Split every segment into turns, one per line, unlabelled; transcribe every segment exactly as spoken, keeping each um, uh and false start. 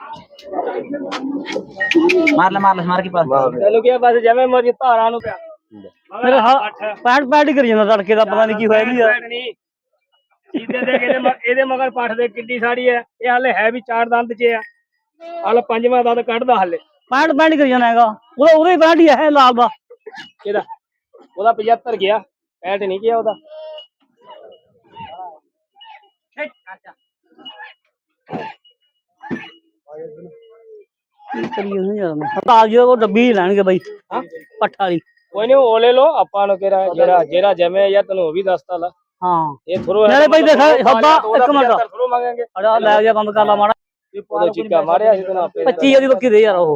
मार ले मार ले मार के पास
चलो क्या बस जमे मर्जी धारा नु पिया
मेरे पैंट पैंट ही करी जाना तड़के का पता नहीं की होया नहीं यार
सीधे देख ਇਹਦੇ ਇਹਦੇ ਮਗਰ ਪੱਠ ਦੇ ਕਿੱਡੀ ਸਾੜੀ ਹੈ ਇਹ ਹਾਲੇ ਹੈ ਵੀ ਚਾਰ ਦੰਦ ਚ ਆ ਹਾਲੇ ਪੰਜਵਾਂ ਦੰਦ ਕੱਢਦਾ ਹਾਲੇ
पैंट पैंट करी जाना हैगा ਉਹਦਾ ਉਹਦੇ पैंट ही है लाल ਦਾ
ਇਹਦਾ ਉਹਦਾ पचहत्तर ਗਿਆ ਪੈਂਟ ਨਹੀਂ ਗਿਆ ਉਹਦਾ
ਹਟਾ ਜਿਓ ਉਹ ਡੱਬੀ ਲੈਣਗੇ ਬਾਈ ਪੱਠ ਵਾਲੀ
ਕੋਈ ਨਹੀਂ ਉਹ ਲੈ ਲੋ ਆਪਾਂ ਨੂੰ ਕਿਹੜਾ ਜਿਹੜਾ ਜਿਹੜਾ ਜਮੇ ਯਾਰ ਤੈਨੂੰ ਉਹ ਵੀ ਦੱਸਤਾ ਲਾ
ਹਾਂ
ਇਹ ਥਰੋ
ਨਾਲੇ ਬਾਈ ਦੇਖ ਸੌਦਾ ਇੱਕ ਮਿੰਟ
ਥਰੋ ਮੰਗਾਂਗੇ
ਅੜਾ ਲੈ ਜਾ ਬੰਦ ਕਰ ਲਾ ਮਾੜਾ
ਉਹਦਾ ਚਿੱਕਾ ਮਾਰਿਆ ਸੀ ਤੈਨੂੰ ਆਪੇ
ਪੱਚੀ ਦੀ ਬੱਕੀ ਦੇ ਯਾਰ ਉਹ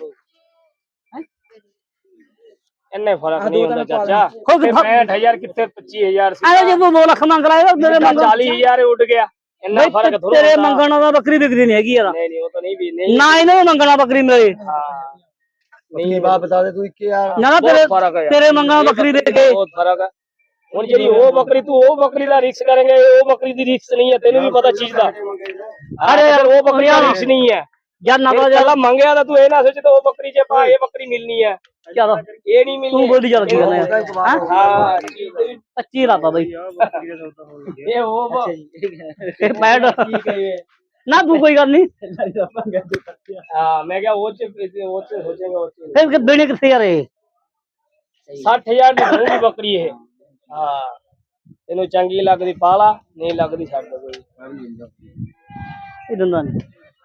ਇੰਨੇ ਫਰਕ ਨਹੀਂ ਹੁੰਦਾ ਚਾਚਾ ਪੈਂਹਠ ਹਜ਼ਾਰ ਕਿੱਥੇ ਪੱਚੀ ਹਜ਼ਾਰ ਸੀ
ਐ ਜੇ ਤੂੰ ਦੋ ਲੱਖ ਮੰਗ ਲਾਇਆ ਮੇਰੇ ਮੰਗ
ਚਾਲੀ ਹਜ਼ਾਰ ਉੱਡ ਗਿਆ ਇੰਨਾ ਫਰਕ ਥੋੜਾ
ਤੇਰੇ ਮੰਗਣ ਦਾ ਬੱਕਰੀ ਵਿਕਦੀ ਨਹੀਂ ਹੈਗੀ ਯਾਰ
ਨਹੀਂ ਨਹੀਂ ਉਹ ਤਾਂ ਨਹੀਂ ਵੀ ਨਹੀਂ
ਨਾ ਇਹਨੇ ਮੰਗਣਾ ਬੱਕਰੀ ਮੇਰੇ
ਹਾਂ ਨਹੀਂ ਬਾਤ ਬਤਾ ਦੇ ਤੂੰ ਇੱਕ ਯਾਰ
ਨਾ ਤੇਰੇ ਤੇਰੇ ਮੰਗਣਾ ਬੱਕਰੀ ਦੇ ਕੇ
ਬਹੁਤ ਫਰਕ ਹੈ ਹੁਣ ਜਿਹੜੀ ਉਹ ਬੱਕਰੀ ਤੂੰ ਉਹ ਬੱਕਰੀ ਦਾ ਰਿਕਸ ਕरेंगे ਉਹ ਬੱਕਰੀ ਦੀ ਰਿਕਸ ਨਹੀਂ ਹੈ ਤੈਨੂੰ ਵੀ ਪਤਾ ਚੀਜ਼ ਦਾ ਅਰੇ ਯਾਰ ਉਹ ਬੱਕਰੀ ਦਾ ਰਿਕਸ ਨਹੀਂ ਹੈ
ਯਾਰ ਨਾ
ਚੱਲ ਮੰਗਿਆ ਤਾਂ ਤੂੰ ਇਹ ਨਾ ਸੋਚ ਤੇ ਉਹ ਬੱਕਰੀ ਜੇ ਪਾ ਇਹ ਬੱਕਰੀ ਮਿਲਣੀ ਹੈ
ਚਲ
ਇਹ ਨਹੀਂ ਮਿਲਣੀ
ਤੂੰ ਬੋਲੀ ਚੱਲ ਕੀ ਕਰਨਾ
ਹਾਂ
ਪੱਚੀ ਲਾਤਾ ਬਾਈ
ਇਹ ਉਹ
ਇਹ ਪੈਡ ਨਾ ਤੂੰ ਕੋਈ ਗੱਲ ਨਹੀਂ
ਹਾਂ ਮੈਂ ਕਿਹਾ ਉਹ ਚ ਉਹ ਚ ਹੋ ਜਾਏਗਾ ਉਹ ਚ
ਫਿਰ ਦੇਣੇ ਕਿੱਥੇ ਯਾਰ ਇਹ
ਸੱਠ ਹਜ਼ਾਰ ਦੀ ਹੋਊਗੀ ਬੱਕਰੀ ਇਹ ਹਾਂ ਤੈਨੂੰ ਚੰਗੀ ਲੱਗਦੀ ਪਾਲਾ ਨਹੀਂ ਲੱਗਦੀ ਛੱਡ ਦੇ ਕੋਈ
ਇਹ ਦੰਦਾਂ ਨਹੀਂ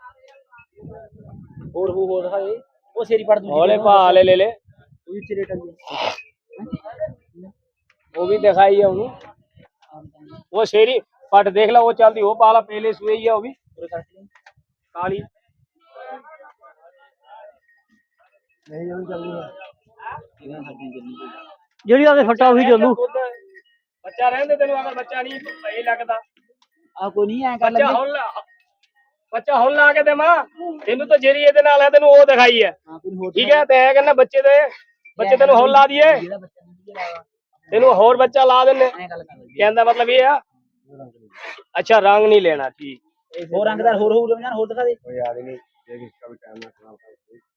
और वो हो रहा है वो सेरी पड़ दूसरी
हौले पा ले ले ले
वो भी रेट
वो भी दिखाई है उन्हें वो शेरी पट देख ला वो चलती वो पाला पहले सुई है वो भी काली नहीं वो चल रही है
ਜਿਹੜੀ ਆਦੇ ਫੱਟਾ ਉਹੀ ਚੱਲੂ
ਬੱਚਾ ਰਹਿੰਦੇ ਤੈਨੂੰ ਅਗਰ ਬੱਚਾ ਨਹੀਂ ਸਹੀ ਲੱਗਦਾ
आ कोई नहीं है कर
ਬੱਚਾ ਹੁਣ ਬੱਚਾ ਹੁਣ ਲਾ ਕੇ ਦੇ ਮਾਂ ਤੈਨੂੰ ਤਾਂ ਜਿਹੜੀ ਇਹਦੇ ਨਾਲ ਹੈ ਤੈਨੂੰ ਉਹ ਦਿਖਾਈ ਹੈ ਠੀਕ ਹੈ ਤੇ ਇਹ ਕਹਿੰਦਾ ਬੱਚੇ ਦੇ ਬੱਚੇ ਤੈਨੂੰ ਹੁਣ ਲਾ ਦਈਏ ਤੈਨੂੰ ਹੋਰ ਬੱਚਾ ਲਾ ਦਿੰਨੇ ਕਹਿੰਦਾ ਮਤਲਬ ਇਹ ਆ ਅੱਛਾ ਰੰਗ ਨਹੀਂ ਲੈਣਾ ਠੀਕ
और रंगदार हो हो जान हो दिखा दे
कोई याद नहीं ये इसका भी टाइम ना खराब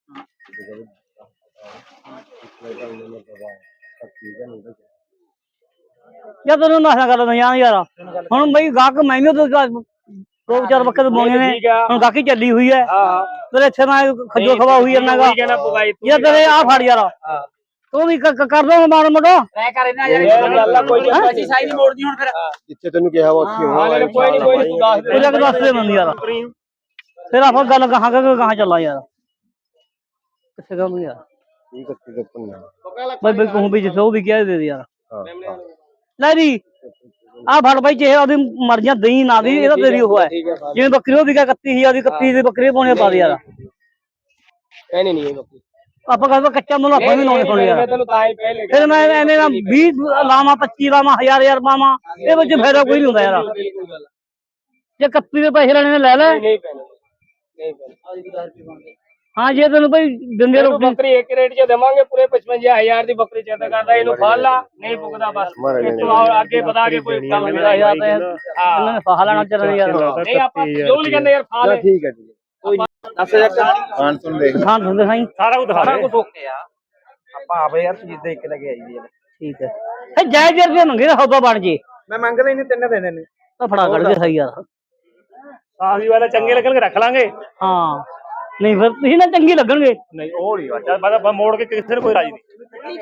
ਯਾਰ ਤੈਨੂੰ ਨਾ ਕਰ ਲੈਂਦਾ ਯਾਰ ਯਾਰ ਹੁਣ ਬਈ ਗਾਹਕ ਮੈਨੂੰ ਤਾਂ ਦੋ ਚਾਰ ਬੱਕਰੇ ਬੋਣੇ ਨੇ ਹੁਣ ਗਾਹਕੀ ਚੱਲੀ ਹੋਈ ਹੈ
ਹਾਂ
ਤੇਰੇ ਇੱਥੇ ਮੈਂ ਖੱਜੋ ਖਵਾ ਹੋਈ ਜਾਂਦਾਗਾ ਯਾਰ ਤੇਰੇ ਆ ਫੜ ਯਾਰ ਤੂੰ ਵੀ ਕਰ ਦੋ ਮਾੜਾ ਮੋਟਾ
ट्राई कर ना यार कोई पैसे साई नहीं मोड़नी हुन फिर
ਜਿੱਥੇ ਤੈਨੂੰ ਕਿਹਾ ਵਾ ਉੱਥੇ ਹੋਣਾ ਕੋਈ ਨਹੀਂ ਕੋਈ ਤੂੰ ਦੱਸ ਦੇ
ਉਹ ਜਗ ਦੱਸ ਦੇ ਬੰਦ ਯਾਰ ਫਿਰ ਆਪਾਂ ਗੱਲ ਕਹਾਂ ਕਿ ਕਹਾਂ ਚੱਲਾਂ ਯਾਰ ਕਿੱਥੇ ਗੱਲ ਯਾਰ
ਠੀਕ ਹੈ ਠੀਕ ਹੈ
ਬਈ ਬਈ ਕਹੂੰ ਵੀ ਜਿੱਥੇ ਉਹ ਵੀ ਕਹਿ ਦੇ ਯਾਰ ਲੈ ਵੀ ਆ ਫੜ ਬਾਈ ਜੇ ਉਹਦੀ ਮਰਜ਼ੀਆਂ ਦਈ ਨਾ ਦੀ ਇਹਦਾ ਤੇਰੀ ਉਹ ਹੈ ਜਿਵੇਂ ਬੱਕਰੀ ਉਹ ਵੀ ਇਕੱਤੀ ਹਜ਼ਾਰ ਦੀ ਇਕੱਤੀ ਦੀ ਬੱਕਰੀ ਪਾਉਣੀ ਪਾ ਦੇ ਯਾਰ
ਐਨੇ ਨਹੀਂ ਇਹ ਬੱਕਰੀ
ਆਪਾਂ ਕਹਿੰਦਾ ਕੱਚਾ ਮੁੱਲ ਆਪਾਂ ਵੀ ਲਾਉਣੇ ਪਾਉਣੇ ਯਾਰ
ਮੈਂ ਤੈਨੂੰ ਤਾਂ ਹੀ ਪਹਿਲੇ
ਫਿਰ ਮੈਂ ਐਵੇਂ ਨਾ ਵੀਹ ਲਾਵਾਂ ਪੱਚੀ ਲਾਵਾਂ ਹਜ਼ਾਰ ਹਜ਼ਾਰ ਪਾਵਾਂ ਇਹ ਵਿੱਚ ਫਾਇਦਾ ਕੋਈ ਨਹੀਂ ਹੁੰਦਾ ਯਾਰ ਜੇ ਇਕੱਤੀ ਦੇ ਪੈਸੇ ਲੈਣੇ ਨੇ ਲੈ ਲੈ
ਨਹੀਂ ਪੈਣੇ ਨਹੀਂ ਪੈਣੇ
ਹਾਂ ਜੇ ਤੈਨੂੰ ਭਾਈ ਦਿੰਦੇ
ਰੋਟੀ ਬੱਕਰੀ ਇੱਕ ਰੇਟ 'ਚ ਦੇਵਾਂਗੇ ਪੂਰੇ ਪਚਵੰਜਾ ਹਜ਼ਾਰ ਦੀ ਬੱਕਰੀ ਚੇਤਾ ਕਰਦਾ ਇਹਨੂੰ ਫੜ ਲਾ ਨਹੀਂ ਪੁੱਗਦਾ ਬਸ ਅੱਗੇ ਪਤਾ ਕੇ ਕੋਈ ਕੰਮ
ਮੇਰਾ ਯਾਰ ਤੇ ਇਹਨਾਂ ਨੇ ਫਾਹ ਲੈਣਾ ਚੱਲਣਾ ਯਾਰ
ਨਹੀਂ ਆਪਾਂ ਜੋ ਵੀ ਕਹਿੰਦੇ ਯਾਰ ਫਾ ਲੈ ਠੀਕ ਹੈ ਜੀ ਕੋਈ ਦੱਸ ਹਜ਼ਾਰ ਖਾਨ ਸੁਣ ਦੇਖ
ਖਾਨ ਸੁਣਦੇ ਸਾਈ
ਸਾਰਾ ਕੁਝ ਦਿਖਾ
ਸਾਰਾ ਕੁਝ ਓਕੇ ਆ ਆਪਾਂ ਆਪੇ ਯਾਰ ਚੀਜ਼ ਦੇ ਇੱਕ ਲੈ ਕੇ ਆਈ ਜੀ
ਠੀਕ ਹੈ ਇਹ ਜਾਇਜ਼ ਜਰ ਦੇ ਮੰਗੇ ਸੌਦਾ ਬਣ ਜੇ
ਮੈਂ ਮੰਗਦਾ ਹੀ ਨਹੀਂ ਤਿੰਨ ਦੇਣੇ ਨੇ
ਤਾਂ ਫੜਾ ਕੱਢ ਕੇ ਸਹੀ ਯਾਰ
ਆਹੀ ਵਾਲਾ ਚੰਗੇ ਲੱਗਣਗੇ ਰੱਖ ਲਾਂਗੇ
ਹਾਂ ਨਹੀਂ ਫਿਰ ਤੁਸੀਂ ਨਾ ਚੰਗੀ ਲੱਗਣਗੇ
ਨਹੀਂ ਉਹ ਨਹੀਂ ਅੱਛਾ ਬਾਅਦ ਮੋੜ ਕੇ ਕਿਸੇ ਨੇ ਕੋਈ ਰਾਜੀ ਨਹੀਂ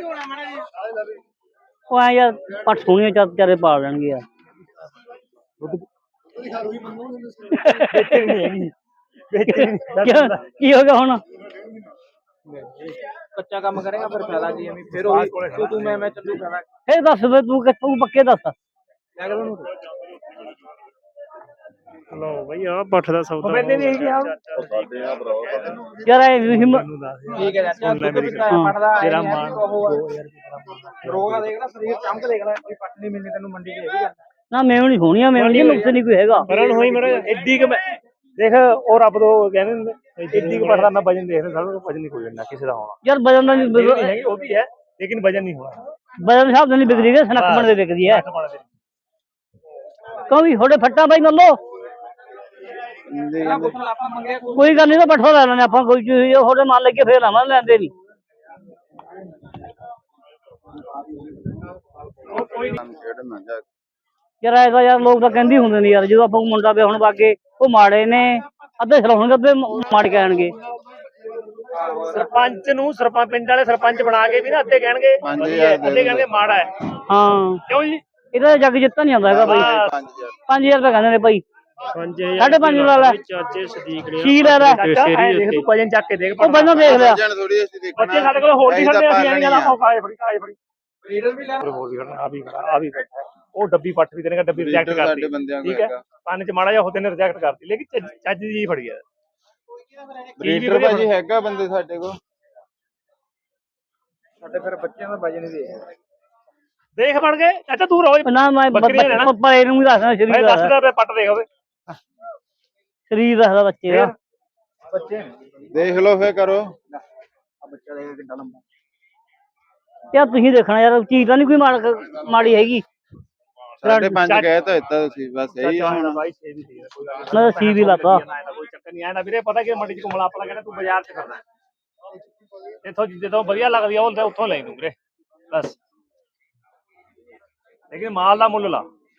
ਉਹ ਆ ਯਾਰ ਪੱਟ ਸੋਹਣੀਆਂ ਚਾਰ ਚਾਰੇ ਪਾ ਲੈਣਗੇ ਯਾਰ ਕੀ ਹੋ ਗਿਆ ਹੁਣ
ਕੱਚਾ ਕੰਮ ਕਰੇਗਾ ਫਿਰ ਫਾਇਦਾ ਕੀ ਐਵੇਂ ਫਿਰ ਉਹ ਤੂੰ ਮੈਂ ਮੈਂ ਚੱਲੂ ਫਾਇਦਾ
ਫਿਰ ਦੱਸ ਵੇ ਤੂੰ ਕਿੱਥੋਂ ਪੱਕੇ ਦੱਸ
ਮੈਂ ਕਹਿੰਦਾ ਨੂੰ
ਲੋ ਬਈ ਆ ਪੱਠ ਦਾ ਸੌਦਾ ਬੰਦੇ ਨਹੀਂ ਹੈਗੇ ਆ
ਯਾਰ ਇਹ ਹਿੰਮਤ
ਠੀਕ ਹੈ ਚਾਚਾ ਦੁੱਧ ਵੀ ਪੜਦਾ ਤੇਰਾ ਮਾਂ ਰੋਗਾ ਦੇਖ ਲੈ ਸਰੀਰ ਚਮਕ ਦੇਖ ਲੈ ਕੋਈ ਪੱਟ ਨਹੀਂ ਮਿਲਣੀ ਤੈਨੂੰ ਮੰਡੀ 'ਚ ਇਹ ਵੀ ਗੱਲ
ਨਾ ਮੈਨੂੰ ਨਹੀਂ ਹੋਣੀਆਂ ਮੈਨੂੰ ਨਹੀਂ ਨੁਕਸ ਨਹੀਂ ਕੋਈ ਹੈਗਾ
ਕਰਨ ਹੋਈ ਮੇਰਾ ਐਡੀ ਕਿ ਦੇਖ ਉਹ ਰੱਬ ਤੋਂ ਕਹਿੰਦੇ ਹੁੰਦੇ ਐਡੀ ਕਿ ਪੱਠ ਦਾ ਮੈਂ ਵਜਨ ਦੇਖਦਾ ਸਾਡਾ ਵਜਨ ਨਹੀਂ ਕੋਈ ਲੈਣਾ ਕਿਸੇ ਦਾ ਹੋਣਾ
ਯਾਰ ਵਜਨ ਦਾ ਨਹੀਂ
ਉਹ ਵੀ ਹੈ ਲੇਕਿਨ ਵਜਨ ਨਹੀਂ ਹੋਣਾ
ਵਜਨ ਸਾਹਿਬ ਨਹੀਂ ਵਿਕਦੀ ਹੈ ਸਨਕ ਬਣ ਦੇ ਵਿਕਦੀ ਹੈ ਕਿਉਂ ਵੀ ਥੋੜੇ ਫੱਟਾ ਬਾਈ ਮੰਨ ਲਓ
ਪਹਿਲਾਂ ਪੁੱਛ ਲਾ ਆਪਾਂ ਮੰਗਿਆ ਕੋਈ
ਕੋਈ ਗੱਲ ਨਹੀਂ ਤਾਂ ਬੱਠਾ ਲੈ ਲੈਣੇ ਆਪਾਂ ਕੋਈ ਚੀਜ਼ ਉਹਦੇ ਮੰਨ ਲੈ ਕੇ ਫੇਰ ਆਵਾਂ ਲੈਂਦੇ ਨਹੀਂ ਯਾਰ ਐਸਾ ਯਾਰ ਲੋਕ ਤਾਂ ਕਹਿੰਦੇ ਹੁੰਦੇ ਨੇ ਯਾਰ ਜਦੋਂ ਆਪਾਂ ਮੁੰਡਾ ਵਿਆਹਣ ਵਾਗੇ ਉਹ ਮਾੜੇ ਨੇ ਅੱਧੇ ਸਲਾਉਣਗੇ ਅੱਧੇ ਮਾੜੇ ਕਹਿਣਗੇ
ਸਰਪੰਚ ਨੂੰ ਸਰਪੰਚ ਪਿੰਡ ਵਾਲੇ ਸਰਪੰਚ ਬਣਾ ਕੇ ਵੀ ਨਾ ਅੱਧੇ ਕਹਿਣਗੇ ਵਧੀਆ ਹੈ, ਅੱਧੇ ਕਹਿਣਗੇ ਮਾੜਾ ਹੈ।
ਹਾਂ
ਕਿਉਂ ਜੀ
ਇਹਦਾ ਜੱਗ ਜਿੱਤਾ ਨਹੀਂ ਆਉਂਦਾ ਹੈਗਾ ਬਾਈ ਪੰਜ ਹਜ਼ਾਰ ਰੁਪਏ ਕਹਿੰਦੇ ਨੇ ਭਾਈ ਸਾਢੇ ਪੰਜ ਲਾ ਲੈ
ਚਾਚੇ ਸਦੀਕ ਨੇ
ਕੀ ਲੈ ਲੈ
ਦੇਖ ਤੂੰ ਵਜਨ ਚੱਕ ਕੇ ਦੇਖ
ਉਹ ਬੰਦਾ ਦੇਖ ਲਿਆ
ਬੱਚੇ ਸਾਡੇ ਕੋਲ ਹੋਰ ਨਹੀਂ ਖੜਦੇ ਅਸੀਂ ਐਂ ਗੱਲ ਆਪਾਂ ਕਾਏ ਫੜੀ ਕਾਏ ਫੜੀ
ਲੀਡਰ ਵੀ ਲੈ
ਹੋਰ ਵੀ ਖੜਨਾ ਆ ਵੀ ਖੜਾ ਆ ਵੀ ਬੈਠਾ ਉਹ ਡੱਬੀ ਪੱਟ ਵੀ ਦੇਣਗਾ ਡੱਬੀ ਰਿਜੈਕਟ ਕਰਦੀ ਠੀਕ ਹੈ ਕੰਨ ਚ ਮਾੜਾ ਜਿਹਾ ਹੋਤੇ ਨੇ ਰਿਜੈਕਟ ਕਰਤੀ ਲੇਕਿਨ ਚੱਜ ਦੀ ਜੀ ਫੜੀ ਆ
ਬਰੀਡਰ ਭਾਜੀ ਹੈਗਾ ਬੰਦੇ ਸਾਡੇ ਕੋਲ
ਸਾਡੇ ਫਿਰ ਬੱਚਿਆਂ ਦਾ ਵਜਨ ਦੇ
ਦੇਖ ਬਣ ਗਏ ਚਾਚਾ ਤੂੰ ਰੋਜ਼
ਨਾ ਮੈਂ
ਬੱਕਰੀਆਂ ਲੈਣਾ
ਪੱਪਾ ਇਹਨੂੰ ਵੀ ਦੱਸਣਾ
ਮੈਂ
ਸ਼ਰੀਰ
ਦਸ
ਦਾ
ਹਜ਼ਾਰ ਰੁਪਏ ਪੱਟ ਦੇਖ ਹੋਵੇ
ਸ਼ਰੀਰ ਦੱਸਦਾ ਬੱਚੇ ਦਾ
ਬੱਚੇ
ਦੇਖ ਲਓ ਫੇਰ ਕਰੋ
ਆ ਬੱਚਾ ਦੇਖ ਕਿੰਨਾ ਲੰਬਾ
ਯਾਰ ਤੁਸੀਂ ਦੇਖਣਾ ਯਾਰ ਚੀਜ਼ ਤਾਂ ਨਹੀਂ ਕੋਈ ਮਾੜ- ਮਾੜੀ ਹੈਗੀ
ਸਾਢੇ ਪੰਜ ਕਹਿ ਤਾਂ ਦਿੱਤਾ ਤੁਸੀਂ ਬਸ ਇਹੀ ਆ ਹੁਣ
ਬਾਈ ਛੇ ਵੀ ਠੀਕ ਹੈ ਕੋਈ ਗੱਲ ਨੀ।
ਮੈਂ ਸੀ ਵੀ ਲਾਤਾ
ਕੋਈ ਚੱਕਰ ਨਹੀਂ ਆਇਆ ਨਾ ਵੀਰੇ ਪਤਾ ਕਿ ਮੰਡੀ ਚ ਘੁੰਮਣਾ ਆਪਣਾ ਕਹਿੰਦਾ ਤੂੰ ਬਾਜ਼ਾਰ ਚ ਕਰਨਾ ਇੱਥੋਂ ਜਿੱਦੋਂ ਵਧੀਆ ਲੱਗਦੀ ਆ ਉਹ ਉੱਥੋਂ ਲੈ ਦੂੰ ਵੀਰੇ ਬਸ ਲੇਕਿਨ ਮਾਲ ਦਾ ਮੁੱਲ ਲਾ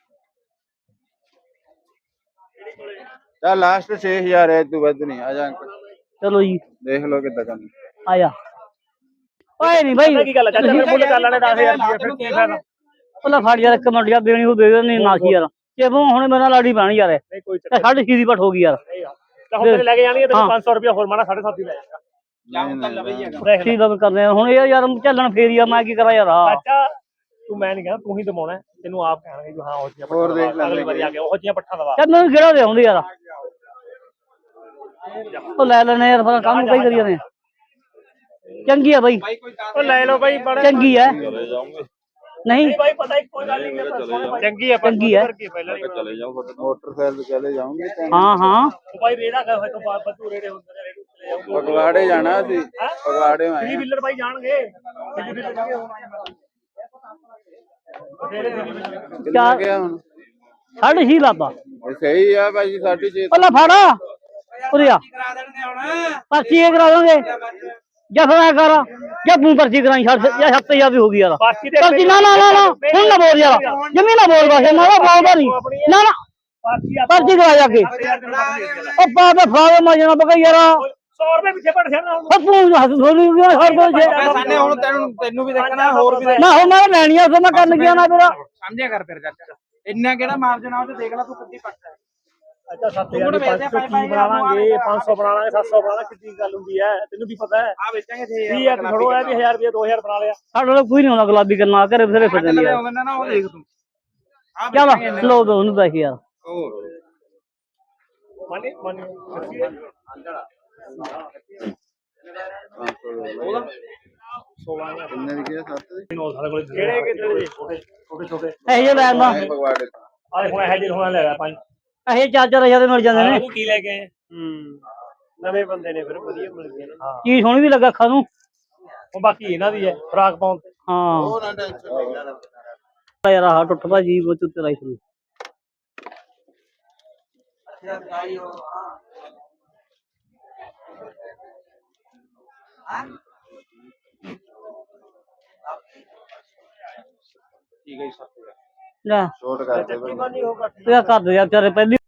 ਚੱਲ ਲਾਸਟ ਛੇ ਹਜ਼ਾਰ ਹੈ ਤੂੰ ਵੱਧ ਨਹੀਂ ਆ ਜਾ ਅੰਕਲ
ਚਲੋ ਜੀ
ਦੇਖ ਲਓ ਕਿੱਦਾਂ ਕਰਨਾ
ਆਇਆ ਓਏ ਨਹੀਂ ਭਾਈ
ਪਤਾ ਕੀ ਗੱਲ ਆ ਚਾਚਾ ਮੇਰੇ ਮੁੱਲ ਕਰ ਲੈਣੇ ਦਸ ਹਜ਼ਾਰ ਰੁਪਏ ਫਿਰ ਕੀ ਫਾਇਦਾ
ਉਹਲਾ ਫੜ ਯਾਰ ਇੱਕ ਮਿੰਟ ਯਾਰ ਦੇਣੀ ਉਹ ਦੇ ਦੇਣੀ ਨਾ ਸੀ ਯਾਰ ਕਿਉਂ ਹੁਣ ਮੇਰੇ ਨਾਲ ਲਾੜੀ ਪਾਣੀ ਯਾਰ
ਨਹੀਂ ਕੋਈ
ਤੇ ਸਾਢੇ ਛੇ ਦੀ ਪਟ ਹੋ ਗਈ ਯਾਰ
ਤਾਂ ਹੁਣ ਤੇਰੇ ਲੈ ਕੇ ਜਾਣੀ ਹੈ ਤੈਨੂੰ ਪੰਜ ਸੌ ਰੁਪਏ ਹੋਰ ਮਾਣਾ ਸਾਢੇ ਸੱਤ ਹੀ ਲੈ ਜਾਏਗਾ
ਜਾਂ ਤਾਂ ਲਵੇ ਹੀ ਹੈਗਾ
ਦੇਖ ਲੈ
ਕੀ ਦਾ ਕਰਦੇ ਆ ਹੁਣ ਇਹ ਯਾਰ ਚੱਲਣ ਫੇਰ ਹੀ ਆ ਮੈਂ ਕੀ ਕਰਾਂ ਯਾਰ ਆ
ਚਾਚਾ ਤੂੰ ਮੈਂ ਨਹੀਂ ਕਹਿੰਦਾ ਤੂੰ ਹੀ ਦਵਾਉਣਾ ਤੈਨੂੰ ਆਪ ਕਹਿਣਗੇ ਵੀ ਹਾਂ ਉਹ ਜੀਆਂ
ਹੋਰ ਦੇਖ ਲੈ
ਅਗਲੀ ਵਾਰੀ ਆ ਕੇ ਉਹ ਜੀਆਂ ਪੱਠਾ ਦਵਾ
ਯਾਰ ਮੈਨੂੰ ਕਿਹੜਾ ਦੇ ਆਉਂਦੇ ਯਾਰ ਉਹ ਲੈ ਲੈਣੇ ਯਾਰ ਫਿਰ ਕੰਮ ਕਈ ਕਰੀ ਜਾਂਦੇ ਚੰਗੀ ਆ ਬਾਈ
ਉਹ ਲੈ ਲਓ ਬਾਈ ਬੜਾ
ਚੰਗੀ ਹੈ ਨਹੀਂ
ਬਾਈ ਪਤਾ ਹੀ ਕੋਈ ਗੱਲ ਨਹੀਂ ਚੰਗੀ ਹੈ
ਚੰਗੀ ਹੈ
ਪਹਿਲਾਂ
ਮੋਟਰਸਾਈਕਲ ਚਲੇ ਜਾਓਗੇ
ਹਾਂ ਹਾਂ
ਬਾਈ ਰੇੜਾ ਕਰ ਹੋਏ ਤੋਂ ਬਾਅਦ ਬੱਤੂ ਰੇੜੇ ਹੁੰਦੇ ਨੇ ਰੇੜੇ ਚਲੇ ਜਾਊਗਾ
ਪਗਵਾੜੇ ਜਾਣਾ ਸੀ ਪਗਵਾੜੇ ਆਏ
ਥ੍ਰੀ ਵੀਲਰ ਬਾਈ ਜਾਣਗੇ ਥ੍ਰੀ ਵੀਲਰ
ਕਿੰਨਾ ਗਿਆ ਹੁਣ
ਸਾਢੇ ਛੇ ਲਾਤਾ
ਇਹ ਸਹੀ ਆ ਭਾਜੀ ਸਾਢੇ ਛੇ
ਪਹਿਲਾਂ ਫੜ ਉਰੇ ਆ
ਕਰਾ ਦੇਣਗੇ ਹੁਣ
ਪਰਚੀ ਇਹ ਕਰਾ ਦਾਂਗੇ ਜਾਂ ਫਿਰ ਐਂ ਕਰ ਜਾਂ ਤੂੰ ਪਰਚੀ ਕਰਾਈ ਛੱਡ ਜਾਂ ਸੱਤ ਹਜ਼ਾਰ ਦੀ ਹੋ ਗਈ ਯਾਰ
ਪਰਚੀ ਦੇ
ਪਰਚੀ ਨਾ ਨਾ ਨਾ ਨਾ ਹੁਣ ਨਾ ਬੋਲ ਯਾਰ ਜਮੀ ਨਾ ਬੋਲ ਬਸ ਨਾ ਨਾ ਬੋਲਦਾ ਨਹੀਂ ਨਾ ਨਾ
ਪਰਚੀ ਆਪਾਂ
ਪਰਚੀ ਕਰਾ ਜਾ ਕੇ ਉਹ ਪਾ ਦੇ ਫਾਵੇ ਮਾ ਜਾਣਾ ਬਗਾ ਯਾਰ
ਸੌ ਰੁਪਏ ਪਿੱਛੇ ਪੜ ਜਾਣਾ
ਉਹ ਤੂੰ ਹੱਥ ਥੋੜੀ ਗਿਆ ਹਰ ਕੋਈ
ਸਾਨੇ ਹੁਣ ਤੈਨੂੰ ਤੈਨੂੰ ਵੀ ਦੇਖਣਾ ਹੋਰ ਵੀ
ਨਾ ਹੋ ਮੈਂ ਲੈਣੀ ਆ ਸੋ ਮੈਂ ਕਰਨ ਗਿਆ ਨਾ ਤੇਰਾ
ਸਮਝਿਆ ਕਰ ਫਿਰ ਚਾਚਾ ਇੰਨਾ ਕਿਹੜਾ ਮਾਰਜਨ ਆ ਉਹ ਤੇ ਦੇਖ ਲੈ ਤੂੰ ਕਿੱਦੀ ਪੱਟ ਹੈ
ਅੱਛਾ ਸੱਤ ਹਜ਼ਾਰ ਦੀ ਪੰਜ ਸੌ ਕੀ ਬਣਾਵਾਂਗੇ ਪੰਜ ਸੌ ਬਣਾ ਲਾਂਗੇ ਸੱਤ ਸੌ ਬਣਾ ਲਾਂਗੇ ਕਿੰਨੀ ਗੱਲ ਹੁੰਦੀ ਹੈ ਤੈਨੂੰ ਵੀ ਪਤਾ ਹੈ
ਆ ਵੇਚਾਂਗੇ ਛੇ
ਵੀ ਆ ਖੜੋ ਹੈ ਵੀ ਹਜ਼ਾਰ ਰੁਪਏ ਦੋ ਹਜ਼ਾਰ ਬਣਾ ਲਿਆ
ਸਾਡੇ ਕੋਲ ਕੋਈ ਨਹੀਂ ਹੁੰਦਾ ਗੁਲਾਬੀ ਕਰਨਾ ਘਰੇ ਬਥੇਰੇ ਫਿਰਦੇ ਨੇ ਯਾਰ
ਆਉਂਦਾ ਨਾ ਉਹ ਦੇਖ ਤੂੰ ਆ
ਚੱਲ ਲੋ ਦੋ ਉਹਨੂੰ ਪੈਸੇ ਯਾਰ
ਮਾਨੀ ਮਾਨੀ
ਕਿੰਨੇ ਦੀ ਗਿਆ ਸੱਤ ਦੀ
ਨੌ ਸਾਡੇ ਕੋਲ ਕਿਹੜੇ ਕਿਹੜੇ ਜੀ ਛੋਟੇ ਛੋਟੇ ਛੋਟੇ
ਇਹ ਜੇ ਲੈਣ ਦਾ
ਪਗਵਾੜੇ
ਆਲੇ ਹੁਣ ਇਹ ਜਿਹੇ ਹੁਣ ਲੈ ਪਾ
ਇਹ ਚਾਰ ਚਾਰ ਹਜ਼ਾਰ ਦੇ ਮਿਲ ਜਾਂਦੇ ਨੇ
ਤੂੰ ਕੀ ਲੈ ਕੇ ਹੂੰ ਨਵੇਂ ਬੰਦੇ ਨੇ ਫਿਰ ਵਧੀਆ ਮਿਲ ਗਏ ਨਾ ਹਾਂ
ਚੀਜ਼ ਸੋਹਣੀ ਵੀ ਲੱਗਾ ਅੱਖਾਂ ਨੂੰ
ਉਹ ਬਾਕੀ ਇਹਨਾਂ ਦੀ ਹੈ ਫਰਾਕ ਪਾਉਣ ਤੇ
ਹਾਂ
ਉਹ ਨਾ ਟੈਨਸ਼ਨ ਲੈ
ਯਾਰ ਆਹ ਟੁੱਟ ਭਾਜੀ ਉਹ ਚੁੱਤੇ ਲਾਈ ਸੀ
ਠੀਕ ਹੈ ਜੀ ਸੱਤ
ਲੈ
ਛੋਟ ਕਰਦੇ
ਚੱਕੀ ਮਾਨੀ ਹੋਗਾ
ਤੇਰਾ ਕਰ ਦੇ ਯਾਰ ਤੇਰੇ ਪਹਿਲੀ